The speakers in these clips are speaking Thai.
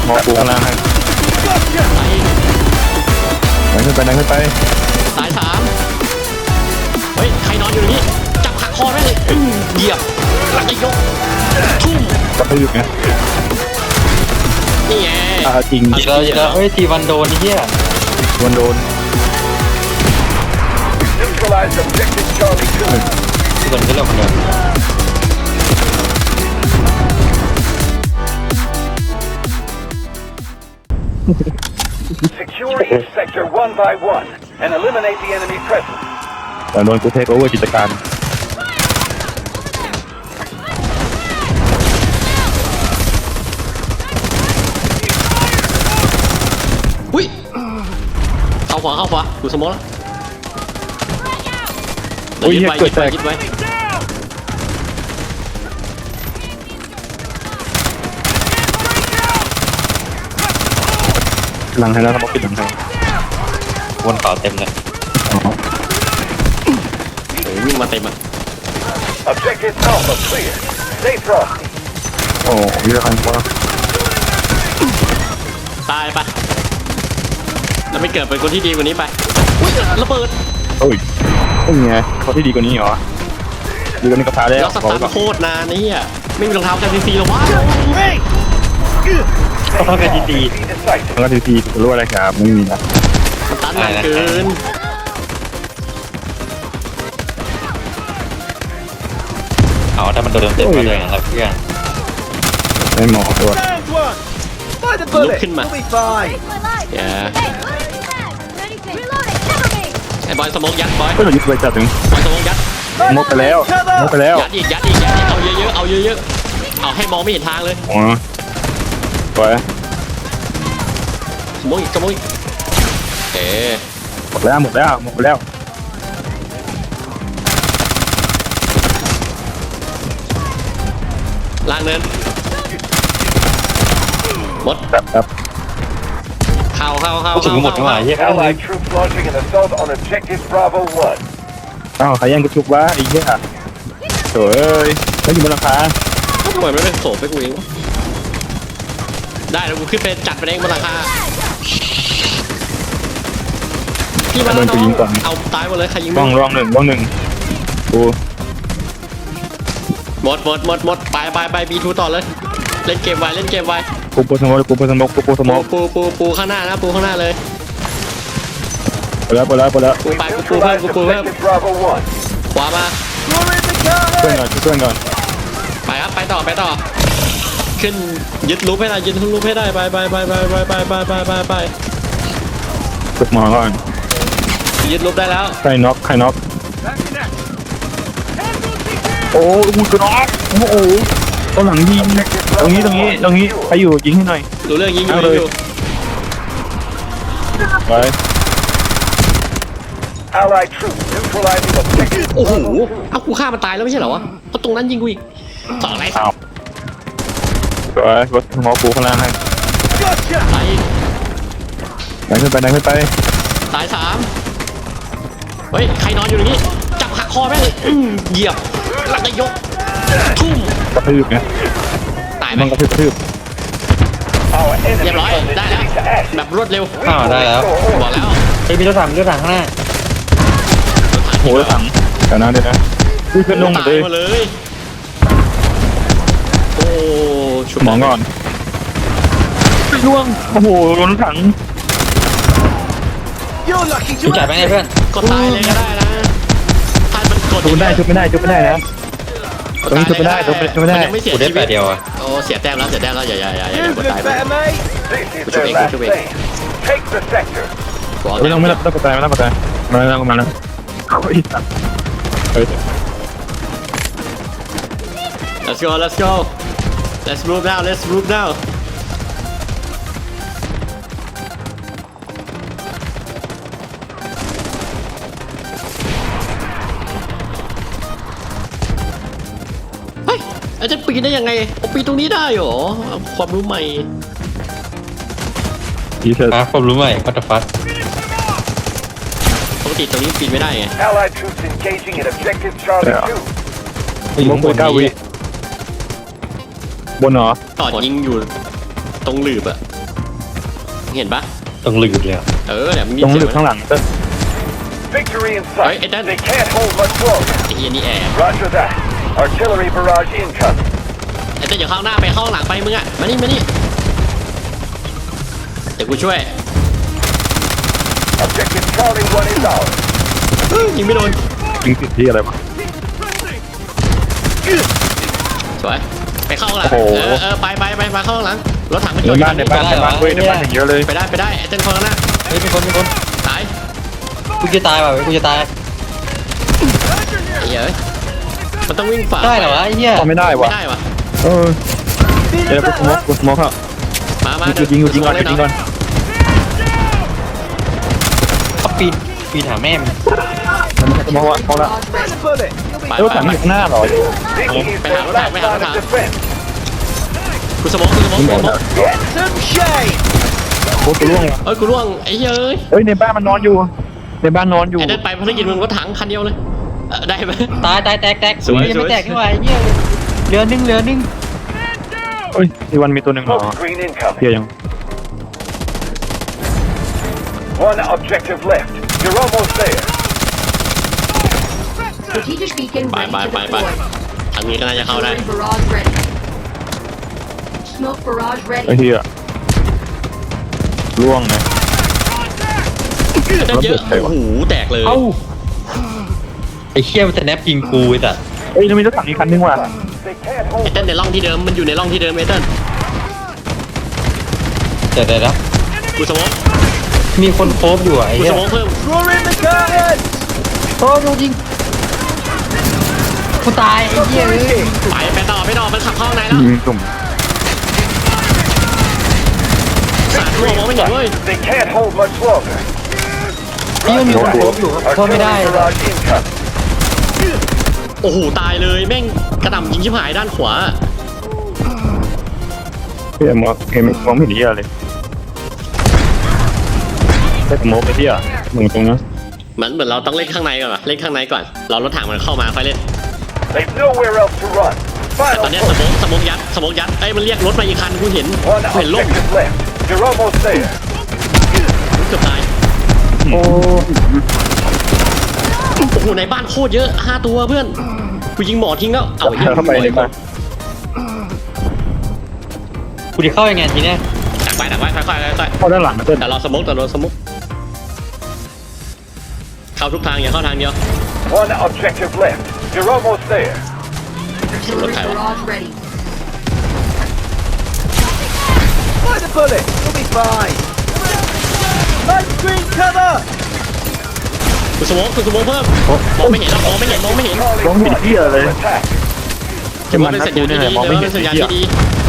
มองปูข้างล่างให้ดันขึ้นไปดันขึ้นไปตาย3เฮ้ยใครนอนอยู่ตรงนี้จับขาคอได้เลยเหยียบหลังจะยกทุ่มก็ไปอยู่ไงนี่ไงจริงอีกแล้วเฮ้ยทีวันโดนนี่เหี้ยวันโดนที่มันก็เรื่องของเดิมแต่โดนกูเทคโอเวอร์กิจการอุ้ยเข้าขวาดูสมองแล้วยึดไว้หลังให้แล้วสมองปิดหลังให้วนเป่าเต็มเลยวิ่งมาเต็มอ่ะโอ้ยเยอะขนาดนี้ตายปะแล้วไม่เกิดเป็นคนที่ดีกว่านี้ไปอุ้ยระเบิดโอ้ยไงเขาที่ดีกว่านี้เหรอดีกว่านี้ก็พาแล้วแล้วสตาร์ทโคตรนานนี่อ่ะไม่มีรองเท้ากันซีหรอวะต้องกันดีมันก็ทีรู้อะไรครับไม่มีนะสตาร์ทนานเกินเอาถ้ามันโดนเต็มมาเลยนะครับเพื่อนไม่หมอตัวลุกขึ้นมาอย่าไอ้บอยสมองยัดบอยก็หลุดไปจัดถึงบอยสมองยัดมกไปแล้วยัดอีกเอาเยอะเอาให้มองไม่เห็นทางเลยอ๋อไปสมองอีกหมดแล้วล่างเนินหมดครับเข้าถึงหมดเมื่อไหร่อ้าวใครยังกระชุบวะไอ้เหี้ยโถ่เอ้ยไม่อยู่บนหลังคาทำไมไม่เป็นโสไปกูเองได้แล้วกูขึ้นไปจัดไปเองบนหลังคาพี่มาแล้วน้องเอาตายหมดเลยใครยิงร่องหนึ่งกูหมดไปบีทูต่อเลยเล่นเกมไวปูสมองปูข้างหน้านะปูข้างหน้าเลยไปแล้วปูไปกูเพิ่มขวามาเพื่อนก่อนไปครับไปต่อขึ้นยึดลูปให้ได้ไปฝึกหมอก่อนยึดลูปได้แล้วใครน็อกโอ้กูจะน็อกโอ้ตรงหลังยิงตรงนี้ใครอยู่ยิงให้หน่อยดูเรื่องยิงอยู่ไปโอ้โหเอากูฆ่ามันตายแล้วไม่ใช่เหรอวะเอาตรงนั้นยิงกูอีกต่ออะไรอ้าวไปรถหมอปูข้างล่างให้ตายดันขึ้นไปตาย3เฮ้ยใครนอนอยู่ตรงนี้จับขาคอได้เลยเหยียบหลังจะยกทุ่มกระทืบไงตายไหมมันกระทืบเรียบร้อยได้แล้วแบบรวดเร็วได้แล้วบอกแล้วมีรถถังข้างหน้าโหรถถังแถวนั้นเลยนะดูเพื่อนลงหมดเลยโอ้ชุบหมอก่อนล่วงโอ้โหรถถังชุบจ่ายไปไงเพื่อนกดตายเลยก็ได้นะถ้ามันกดชุบไม่ได้นะตรงนี้ชุบไม่ได้ยังไม่เสียชีวิตเดียวอ่ะโอ้เสียแต้มแล้วอย่ากดตายไปกูชุบเองไม่ต้องกดตายมาแล้วโอ้ยสัตว์ Let's go let's move now อาจจะปีนได้ยังไงปีนตรงนี้ได้หรอความรู้ใหม่ความรู้ใหม่พัฒฟัดปกติตรงนี้ปีนไม่ได้ไงมงกุฎ9 วิบนเหรอต่อยิงอยู่ตรงหลืบอะเห็นปะต้องลืมเลยอะเนี่ยมีตรงเสียหลึกงข้างหลังเต้น Victory in Hey, sight. it doesn't- They can't hold much longer. ไอ้เหี้ยนี่แอบ Roger that. Artillery barrage incoming. ไอ้เต้นอย่าเข้าหน้าไปเข้าหลังไปมึงอะมานี่เดี๋ยวกูช่วย Objective Charlie 1 is ours. ยิงไม่โดนยิงติดที่อะไรวะสวยไปเข้าหลังโอ้โหไปมาเข้าหลังรถถังมันจในอดอยู่บ้านในบ้านในบ้านเว้ยในบ้านอย่างเยอะเลยไปได้ไอ้เต้นคนข้างหน้าเฮ้ยมีคนตายกูจะตายว่ะกูจะตายไอ้เหี้ยเอ้ยมันต้องวิ่งฝ่าได้เหรอวะไอ้เหี้ยทำไม่ได้ไม่วะได้วะเออเดี๋ยวกูสโมกครับมาหยุดยิงก่อนหยุดยิงก่อนเขาปีนหาแม่มันมันสโมกวะเอาละไปรถถังอยู่ข้างหน้าเหรอ This is their last line of defense. กูสมอง Get some shade. โคตรล่วงว่ะเอ้ยกูร่วงไอ้เหี้ยเอ้ยเอ้ยในบ้านมันนอนอยู่ในบ้านนอนอยู่ไอ้เต้นไปภารกิจมึงรถถังคันเดียวเลยได้ไหมตายแตกสวยยังไม่แตกนี่หว่าไอ้เหี้ยเหลือหนึ่งเอ้ยที่วันมีตัวหนึ่งเหรอ Smoke screen incoming. เฮียยัง One objective left. You're almost there. Strategic beacon ไป ready to ไป deploy. ทางนี้ก็น่าจะเข้าได้ Artillery barrage ready. Smoke barrage ไอ้ ready. เฮียล่วงนะเต้นเยอะโอ้โหแตกเลยเอ้าไอ้เหี้ยมันจะแนบยิงกูไอ้สัสเอ้ยแล้วมีรถถังอีกคันนึงว่ะ They can't ไอ้ hold. เต้นในร่องที่เดิมมันอยู่ในร่องที่เดิมไอ้เต้นเดี๋ยวกูสมองมีคนโคบอยู่อ่ะไอ้กูเหี้สยมองเพิ่มโอ้โดนยิงกูตายไอ้เหี้ยเลยไปต่อมันขับเข้าข้างในแล้วยิงสุ่มสาดทั่วมองไม่เห็นเว้ย They can't hold much longer. นี่มันมีคนโคบอยู่โคบไม่ได้ Artillery barrage incoming. โอ้โหตายเลยแม่งกระหน่ำยิงชิบหายด้านขวาเฮียมองไม่เห็นเฮียเลยแค่สโมกไอ้เฮียมึงตรงนั้นเหมือนเราต้องเล่นข้างในก่อนเล่นข้างในก่อนเรารถถังมันเข้ามาค่อยเล่น They've nowhere else to run. แต่ตอน Final เนี้ย push. สมองยัดเอ้ยมันเรียกรถมาอีกคันกูเห็น One เห็นล่ม objective left. You're almost there. เกือบตายโอ้โอ้โหในบ้านโคตรเยอะ5ตัวเพื่อนกูยิงหมอทิ้งแล้วเอาไอ้เหี้ยเข้าไปในบ้านกูจะเข้ายังไงทีเนี้ยดักไว้ค่อยเข้าด้านหลังนะเต้นๆแต่เราสมองเข้าทุกทางอย่าเข้าทางเดียว One objective left. You're almost there. Artillery Okay. barrage ready. Find a bullet. You'll be fine. Light screen cover. กูสมองเพิ่มมองไม่เห็นมองไม่เห็นมองไม่เห็นเฮียเลย Attack. จะมันเป็นนะสัญกูญาณเนี่ยที่แหละดีมองไม่เห็นเป็นสัญญาณเฮียที่ดี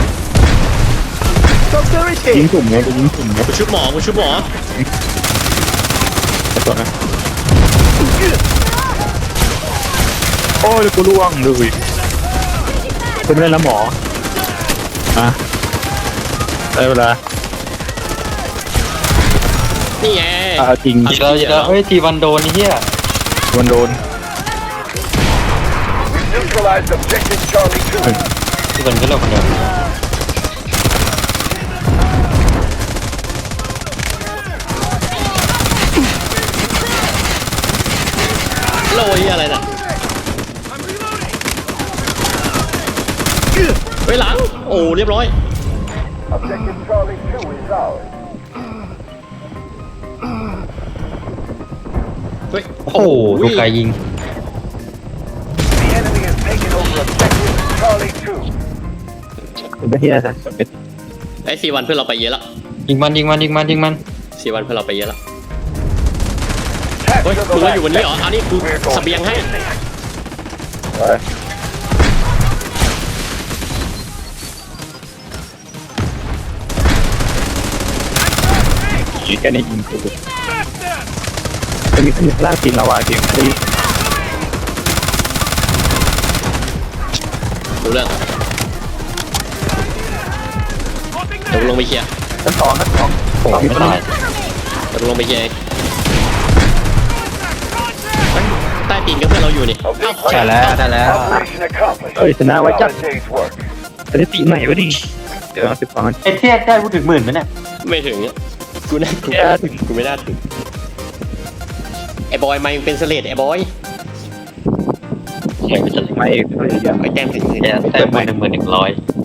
ยิงสุ่มไงกูยิงสุ่มไงกูชุบหมอไอ้ตัวนั้นโอ้ยกูล่วงเลยเป็นไม่ได้แล้วหมออ่ะได้เวลานี่ไงจริงเดี๋ยวเฮ้ยทีวันโดนไอ้เหี้ยมันโดน Neutralized objective Charlie 2. ทีวันก็เลิกคนเดียวโลยอะไรน่ะไปหลังโอ้เรียบร้อย Objective Charlie 2 is ours. เฮ้ยโอ้โหดูไกลยิง The enemy has taken over objective Charlie 2. เป็นเฮียซะไอ้4 วันเพื่อนเราไปเยอะแล้วยิงมัน 4 วันเพื่อนเราไปเยอะแล้ว เฮ้ย Capture มึ the งมาอยู่ last บนนี้เหรอ sector. เอานี่กู We're going เสบียงให้ยิงแค่นี้ยิงกูจะมีขยับล่าจริงเราอ่ะจริงดูเรื่องเดี๋ยวกูลงไปเคลียร์ชั้นสองโอ้ไม่ตายเดี๋ยวกูลงไปเคลียร์เองเฮ้ยใต้ตีนก็เพื่อนเราอยู่นี่เอ้าใช่แล้วได้แล้ว Operation accomplished. เอ้ยชนะไว้จัด Another day's work. สถิติใหม่วะดิเดี๋ยว12 ไอ้เทียได้พูดถึงหมื่นไหมเนี่ยไม่ถึงกูน่ากูไม่น่าถึงไอ้บอยไม่เป็นเสลดไอ้บอยไม่เป็นไรไม่ไอ้แต้มถึงแค่แต้มไป11,100